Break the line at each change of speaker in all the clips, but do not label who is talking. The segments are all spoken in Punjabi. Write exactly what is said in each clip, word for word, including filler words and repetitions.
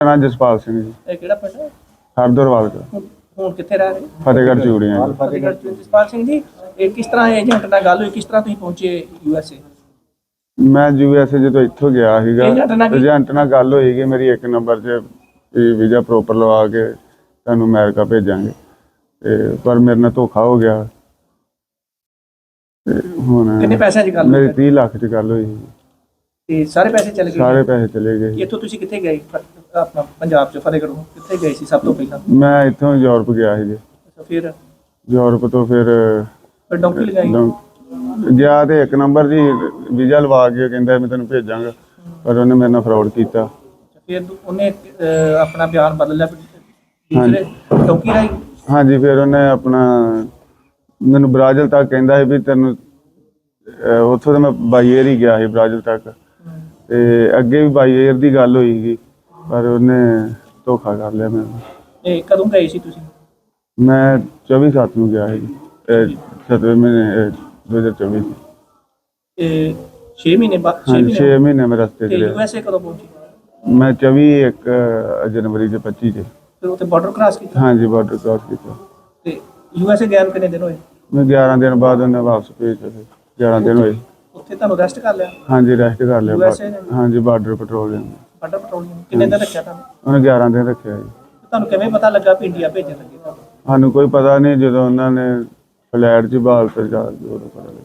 ਮੇਰਾ ਨਾਮ ਜਸਪਾਲ ਸਿੰਘ ਜੀ।
ਇਹ ਕਿਹੜਾ ਪਿੰਡ ਹੈ?
ਹਰਦਰਵਾਲ ਦਾ।
ਹੁਣ ਹੁਣ ਕਿੱਥੇ ਰਹਿ ਰਹੇ?
ਫਤਿਹਗੜ੍ਹ ਚੂੜੀਆਂ ਜੀ।
ਫਤਿਹਗੜ੍ਹ ਚ। ਜਸਪਾਲ ਸਿੰਘ ਜੀ, ਇਹ ਕਿਸ ਤਰ੍ਹਾਂ ਏਜੰਟ ਨਾਲ ਗੱਲ ਹੋਈ, ਕਿਸ ਤਰ੍ਹਾਂ ਤੁਸੀਂ ਪਹੁੰਚੇ ਯੂ ਐਸ ਏ?
ਮੈਂ ਯੂ ਐਸ ਏ ਜਦੋਂ ਇੱਥੋਂ ਗਿਆ ਸੀਗਾ,
ਏਜੰਟ ਨਾਲ ਕੀ-
ਏਜੰਟ ਨਾਲ ਗੱਲ ਹੋਈ ਕਿ ਮੇਰੀ ਇੱਕ ਨੰਬਰ 'ਚ ਵੀਜ਼ਾ ਪ੍ਰੋਪਰ ਲਵਾ ਕੇ ਤੁਹਾਨੂੰ ਅਮਰੀਕਾ ਭੇਜਾਂਗੇ, ਤੇ ਪਰ ਮੇਰੇ ਨਾਲ ਧੋਖਾ ਹੋ ਗਿਆ। ਤੇ ਹੁਣ
ਕਿੰਨੇ ਪੈਸਿਆਂ 'ਚ ਗੱਲ
ਮੇਰੀ
ਹੋਈ?
ਤੀਹ ਲੱਖ 'ਚ ਗੱਲ ਹੋਈ ਸੀ।
ਤੇ ਸਾਰੇ ਪੈਸੇ ਚਲੇ ਗਏ?
ਸਾਰੇ ਪੈਸੇ ਚਲੇ ਗਏ।
ਇੱਥੋਂ ਤੁਸੀਂ ਕਿੱਥੇ ਗਏ? ਫ- ਆਪਣਾ ਪੰਜਾਬ 'ਚ ਫਤਿਹਗੜ੍ਹੋਂ ਕਿੱਥੇ ਗਏ ਸੀ ਸਭ ਤੋਂ ਪਹਿਲਾਂ?
ਮੈਂ ਇੱਥੋਂ ਯੂਰਪ ਗਿਆ ਸੀ ਜੀ।
ਅੱਛਾ, ਫਿਰ
ਯੂਰਪ ਤੋਂ ਫਿਰ
ਫਿਰ ਡੌਂਕੀ ਲਗਾਈ?
ਡੌਂ- ਗਿਆ ਤੇ ਇੱਕ ਨੰਬਰ ਜੀ ਵੀਜ਼ਾ ਲਵਾ ਕੇ ਕਹਿੰਦਾ ਮੈਂ ਤੈਨੂੰ ਭੇਜਾਂਗਾ, ਪਰ ਉਹਨੇ ਮੇਰੇ ਨਾਲ ਫਰਾਡ ਕੀਤਾ।
ਫਿਰ ਦੂ- ਉਹਨੇ ਅਹ, ਆਪਣਾ ਬਿਆਨ ਬਦਲ ਲਿਆ ਦੂਸਰੇ ਡੌਂਕੀ ਰਾਹੀਂ?
ਹਾਂਜੀ, ਫਿਰ ਉਹਨੇ ਆਪਣਾ ਮੈਨੂੰ ਬ੍ਰਾਜ਼ਿਲ ਤੱਕ ਕਹਿੰਦਾ ਸੀ ਵੀ ਤੈਨੂੰ ਅਹ ਉੱਥੋਂ ਤਾਂ ਮੈਂ ਬਾਈ ਏਅਰ ਹੀ ਗਿਆ ਸੀ ਬ੍ਰਾਜ਼ਿਲ ਤੱਕ, ਤੇ ਅੱਗੇ ਵੀ ਬਾਈ ਏਅਰ ਦੀ ਗੱਲ ਹੋਈ ਸੀ, ਪਰ ਉਹਨੇ ਧੋਖਾ ਕਰ ਲਿਆ ਮੈਨੂੰ।
ਇਹ ਕਦੋਂ ਗਏ ਸੀ ਤੁਸੀਂ?
ਮੈਂ ਚੌਵੀ ਸੱਤ ਨੂੰ ਗਿਆ ਸੀ, ਸੱਤਵੇਂ ਮਹੀਨੇ ਦੋ ਹਜ਼ਾਰ ਚੌਵੀ ਚ।
ਇਹ ਛੇ ਮਹੀਨੇ ਬਾਅਦ? ਛੇ
ਹਾਂਜੀ, ਛੇ
ਮਹੀਨੇ
ਮਹੀਨੇ ਮੈਂ ਰਸਤੇ
ਤੇ
ਚ
ਯੂ
ਰਿਹਾ।
ਐਸ ਏ ਕਦੋਂ ਪਹੁੰਚੇ?
ਮੈਂ ਚੌਵੀ ਇੱਕ ਜਨਵਰੀ ਦੇ ਪੱਚੀ ਚ।
ਫਿਰ ਉੱਥੇ ਬਾਰਡਰ ਕ੍ਰਾਸ ਕੀਤਾ?
ਹਾਂਜੀ, ਬਾਰਡਰ ਕ੍ਰਾਸ ਕੀਤਾ।
ਤੇ ਯੂ ਐਸ ਏ ਗਿਆ ਨੂੰ ਕਿੰਨੇ ਦਿਨ ਹੋਏ?
ਮੈਂ ਗਿਆਰਾਂ ਦਿਨ ਬਾਅਦ ਉਹਨੇ ਵਾਪਸ ਭੇਜਿਆ ਸੀ। ਗਿਆਰਾਂ ਦਿਨ ਹੋਏ।
ਉੱਥੇ ਤੁਹਾਨੂੰ ਰੈਸਟ ਕਰ ਲਿਆ
ਹਾਂਜੀ, ਰੈਸਟ ਕਰ ਲਿਆ।
ਯੂ ਐਸ ਏ ਨੇ?
ਹਾਂਜੀ, ਬਾਰਡਰ ਪੈਟਰੋਲਿੰਗ
ਬਾਰਡਰ ਪੈਟਰੋਲਿੰਗ ਕਿੰਨੇ ਦਿਨ ਰੱਖਿਆ ਤੁਹਾਨੂੰ?
ਉਹਨੇ ਗਿਆਰਾਂ ਦਿਨ ਰੱਖਿਆ ਜੀ।
ਤੁਹਾਨੂੰ ਕਿਵੇਂ ਪਤਾ ਲੱਗਾ ਵੀ ਇੰਡੀਆ ਭੇਜਣ ਲੱਗੇ ਤੁਹਾਨੂੰ?
ਸਾਨੂੰ ਕੋਈ ਪਤਾ ਨਹੀਂ, ਜਦੋਂ ਉਹਨਾਂ ਨੇ ਫਲੈਟ 'ਚ ਬਾਲ ਤੇ ਜਾ ਕੇ ਉਦੋਂ ਪਤਾ ਲੱਗਾ।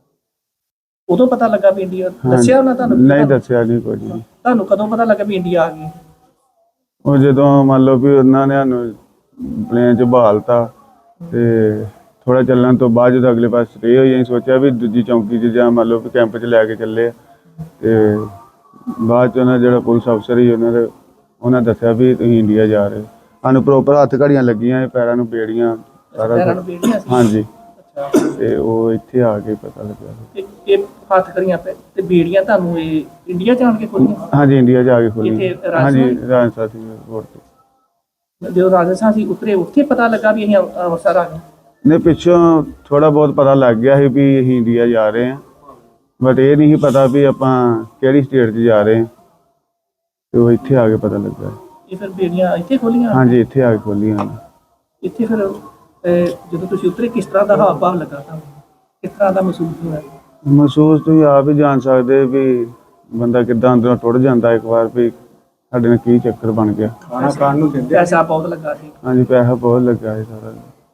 ਉਦੋਂ ਪਤਾ ਲੱਗਾ ਵੀ ਇੰਡੀਆ? ਦੱਸਿਆ ਉਹਨਾਂ ਤੁਹਾਨੂੰ?
ਨਹੀਂ ਦੱਸਿਆ ਨਹੀਂ ਕੁਝ ਵੀ।
ਤੁਹਾਨੂੰ ਕਦੋਂ ਪਤਾ ਲੱਗਾ ਵੀ ਇੰਡੀਆ ਆ ਗਈ?
ਉਹ ਜਦੋਂ ਮੰਨ ਲਓ ਵੀ ਉਹਨਾਂ ਨੇ ਸਾਨੂੰ ਪਲੇਨ 'ਚ ਬਹਾਲਤਾ, ਤੇ ਥੋੜਾ ਚੱਲਣ ਤੋਂ ਬਾਅਦ ਜਦੋਂ ਅਗਲੇ ਪਾਸੇ ਸਟੇ ਹੋਈ, ਅਸੀਂ ਸੋਚਿਆ ਵੀ ਦੂਜੀ ਚੌਂਕੀ 'ਚ ਜਾਂ ਮੰਨ ਲਓ ਵੀ ਕੈਂਪ 'ਚ ਲੈ ਕੇ ਚੱਲੇ ਆ, ਤੇ ਬਾਅਦ 'ਚ ਉਹਨਾਂ ਜਿਹੜਾ ਪੁਲਿਸ ਅਫਸਰ ਸੀ ਉਹਨਾਂ ਦੇ ਉਹਨਾਂ ਦੱਸਿਆ ਵੀ ਤੁਸੀਂ ਇੰਡੀਆ ਜਾ ਰਹੇ ਹੋ। ਸਾਨੂੰ ਪ੍ਰੋਪਰ ਹੱਥ ਘੜੀਆਂ ਲੱਗੀਆਂ, ਪੈਰਾਂ ਨੂੰ ਬੇੜੀਆਂ, ਸਾਰਾ
ਪੈਰਾਂ ਨੂੰ
ਕੁਛ।
ਬੇੜੀਆਂ ਸੀ?
ਹਾਂਜੀ,
ਅੱਛਾ।
ਤੇ ਉਹ ਇੱਥੇ ਆ ਕੇ ਪਤਾ ਲੱਗਾ।
ਤੇ ਇਹ ਹੱਥ ਕਰੀਆਂ ਪੈ ਤੇ ਬੇੜੀਆਂ ਤੁਹਾਨੂੰ ਇਹ ਇੰਡੀਆ ਜਾਣ ਕੇ ਖੋਲੀਆਂ?
ਹਾਂਜੀ, ਇੰਡੀਆ ਜਾ ਕੇ ਖੋਲੀ।
ਇੱਥੇ ਰਾਜਸਥਾਨ?
ਹਾਂਜੀ, ਰਾਜਸਥਾਨ ਸੀ ਰੋਡ ਤੇ।
ਜਦੋਂ ਰਾਜਸਥਾਨ ਸੀ ਉਤਰੇ, ਉੱਥੇ ਪਤਾ ਲੱਗਾ ਵੀ ਅਸੀਂ ਅੰਮ੍ਰਿ- ਅੰਮ੍ਰਿਤਸਰ ਆ ਗਏ?
ਨੇ ਪਿੱਛੋਂ ਥੋੜਾ ਬਹੁਤ ਪਤਾ ਲੱਗ ਗਿਆ ਸੀ ਵੀ ਅਸੀਂ ਇੰਡੀਆ ਜਾ ਰਹੇ ਹਾਂ, ਬਟ ਇਹ ਨਹੀਂ ਸੀ ਪਤਾ ਵੀ ਆਪਾਂ ਕਿਹੜੀ ਸਟੇਟ 'ਚ ਜਾ ਰਹੇ ਹਾਂ, ਤੇ ਉਹ ਇੱਥੇ ਆ ਕੇ ਪਤਾ ਲੱਗਾ।
ਇਹ ਫਿਰ ਬੇੜੀਆਂ ਇੱਥੇ ਖੋਲੀਆਂ?
ਹਾਂਜੀ, ਇੱਥੇ ਆ ਕੇ ਖੋਲੀਆਂ।
ਇੱਥੇ ਫਿਰ ਅਹ, ਜਦੋਂ ਤੁਸੀਂ ਉਤਰੇ ਕਿਸ ਤਰ੍ਹਾਂ ਦਾ ਹਾਵ ਭਾਵ ਲੱਗਾ ਤੁਹਾਨੂੰ? ਕਿਸ ਤਰ੍ਹਾਂ ਦਾ ਮਹਿਸੂਸ ਹੋਇਆ?
ਮਹਿਸੂਸ ਤੁਸੀਂ ਆਪ ਹੀ ਜਾਣ ਸਕਦੇ ਵੀ ਬੰਦਾ ਕਿੱਦਾਂ ਅੰਦਰੋਂ ਟੁੱਟ ਜਾਂਦਾ ਇੱਕ ਵਾਰ ਵੀ ਸਾਡੇ ਨਾਲ ਕੀ ਚੱਕਰ ਬਣ ਗਿਆ।
ਖਾਣਾ ਖਾਣ ਨੂੰ ਦਿੰਦੇ? ਪੈਸਾ ਬਹੁਤ ਲੱਗਾ ਸੀ?
ਹਾਂਜੀ, ਪੈਸਾ ਬਹੁਤ ਲੱਗਾ ਸੀ ਸਾਰਾ।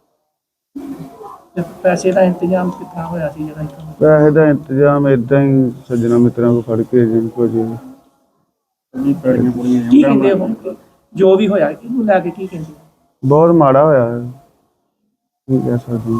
ਤੇ ਪੈਸੇ ਦਾ ਇੰਤਜ਼ਾਮ ਕਿਸ ਤਰ੍ਹਾਂ ਹੋਇਆ ਸੀ ਜਿਹੜਾ ਇੱਥੋਂ?
ਪੈਸੇ ਦਾ ਇੰਤਜ਼ਾਮ ਏਦਾਂ ਹੀ ਸੱਜਣਾ ਮਿੱਤਰਾਂ ਕੋਲ ਫੜ ਕੇ ਜਿੰਨ ਕੁਝ
ਕੀ ਕਹਿੰਦੇ ਉਹ ਜੋ ਵੀ ਹੋਇਆ ਇਹਨੂੰ ਲੈ ਕੇ ਕੀ ਕਹਿੰਦੇ?
ਬਹੁਤ ਮਾੜਾ ਹੋਇਆ ਹੈ, ਕੀ ਕਹਿ ਸਕਦੇ ਹਾਂ।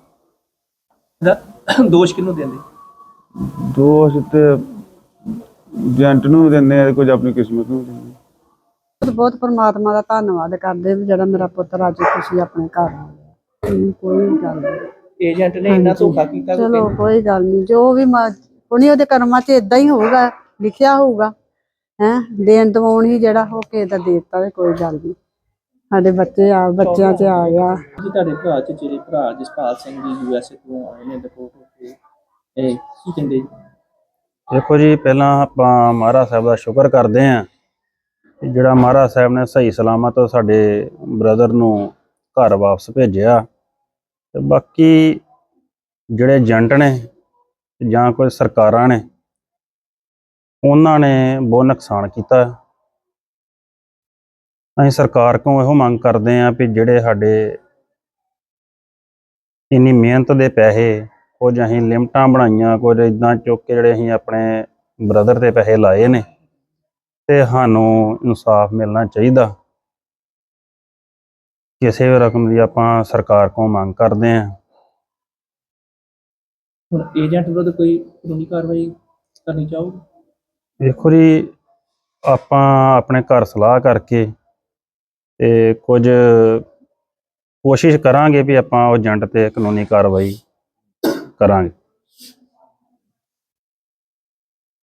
ਇਹਦਾ ਦੋਸ਼ ਕਿਹਨੂੰ ਦਿੰਦੇ?
ਦੋਸ਼ ਤੇ ਏਜੰਟ ਨੂੰ ਦਿੰਦੇ ਆ, ਕੁਝ ਆਪਣੀ ਕਿਸਮਤ ਨੂੰ ਦਿੰਦੇ ਆ।
ਬਹੁਤ ਬਹੁਤ ਪਰਮਾਤਮਾ ਦਾ ਧੰਨਵਾਦ ਕਰਦੇ ਵੀ ਜਿਹੜਾ ਮੇਰਾ ਪੁੱਤਰ ਅੱਜ ਖੁਸ਼ੀ ਆਪਣੇ ਘਰ ਆ ਗਿਆ। ਹਮ, ਕੋਈ ਗੱਲ ਨਹੀਂ,
ਏਜੰਟ ਨੇ ਇੰਨਾ ਧੋਖਾ ਕੀਤਾ?
ਚਲੋ ਕੋਈ ਗੱਲ ਨਹੀਂ, ਜੋ ਵੀ ਪੁਣੀ ਉਹਦੇ ਕਰਮਾਂ 'ਚ ਇਦਾਂ ਹੀ ਹੋਊਗਾ, ਲਿਖਿਆ ਹੋਊਗਾ। ਹੈ ਦੇਣ ਦਵਾਉਣ ਹੀ ਜਿਹੜਾ ਹੋ ਕੇ ਦਾ ਦੇਤਾ, ਤੇ ਕੋਈ ਗੱਲ ਨਹੀਂ। ਸਾਡੇ ਬੱਚੇ ਆ ਬੱਚਿਆਂ 'ਚ ਆ ਗਿਆ।
ਜੀ ਤੁਹਾਡੇ ਭਰਾ ਚ ਜਿਹੜੇ ਭਰਾ ਜਸਪਾਲ ਸਿੰਘ ਜੀ ਯੂ ਐਸ ਏ ਤੋਂ ਆਏ ਨੇ ਰਿਪੋਰਟ ਹੋ ਕੇ, ਇਹ ਕੀ ਕਹਿੰਦੇ?
ਦੇਖੋ ਜੀ, ਪਹਿਲਾਂ ਆਪਾਂ ਮਹਾਰਾਜ ਸਾਹਿਬ ਦਾ ਸ਼ੁਕਰ ਕਰਦੇ ਹਾਂ ਕਿ ਜਿਹੜਾ ਮਹਾਰਾਜ ਸਾਹਿਬ ਨੇ ਸਹੀ ਸਲਾਮਤ ਸਾਡੇ ਬ੍ਰਦਰ ਨੂੰ ਘਰ ਵਾਪਸ ਭੇਜਿਆ। ਤੇ ਬਾਕੀ ਜਿਹੜੇ ਏਜੰਟ ਨੇ ਜਾਂ ਕੋਈ ਸਰਕਾਰਾਂ ਨੇ, ਉਹਨਾਂ ਨੇ ਬਹੁਤ ਨੁਕਸਾਨ ਕੀਤਾ। ਅਸੀਂ ਸਰਕਾਰ ਕੋਲੋਂ ਇਹੋ ਮੰਗ ਕਰਦੇ ਹਾਂ ਵੀ ਜਿਹੜੇ ਸਾਡੇ ਇੰਨੀ ਮਿਹਨਤ ਦੇ ਪੈਸੇ, ਕੁਝ ਅਸੀਂ ਲਿਮਟਾਂ ਬਣਾਈਆਂ, ਕੁਝ ਇੱਦਾਂ ਚੁੱਕ ਕੇ ਜਿਹੜੇ ਅਸੀਂ ਆਪਣੇ ਬ੍ਰਦਰ ਦੇ ਪੈਸੇ ਲਾਏ ਨੇ, ਤੇ ਸਾਨੂੰ ਇਨਸਾਫ ਮਿਲਣਾ ਚਾਹੀਦਾ। ਕਿਸੇ ਵੀ ਰਕਮ ਦੀ ਆਪਾਂ ਸਰਕਾਰ ਕੋਲੋਂ ਮੰਗ ਕਰਦੇ ਹਾਂ।
ਹੁਣ ਏਜੰਟ ਵਿਰੁੱਧ ਕੋਈ ਕਾਨੂੰਨੀ ਕਾਰਵਾਈ ਕਰਨੀ ਚਾਹੋਗੇ?
ਦੇਖੋ ਜੀ, ਆਪਾਂ ਆਪਣੇ ਘਰ ਸਲਾਹ ਕਰਕੇ ਤੇ ਕੁਝ ਕੋਸ਼ਿਸ਼ ਕਰਾਂਗੇ ਵੀ ਆਪਾਂ ਉਹ ਏਜੰਟ ਤੇ ਕਾਨੂੰਨੀ ਕਾਰਵਾਈ ਕਰਾਂਗੇ।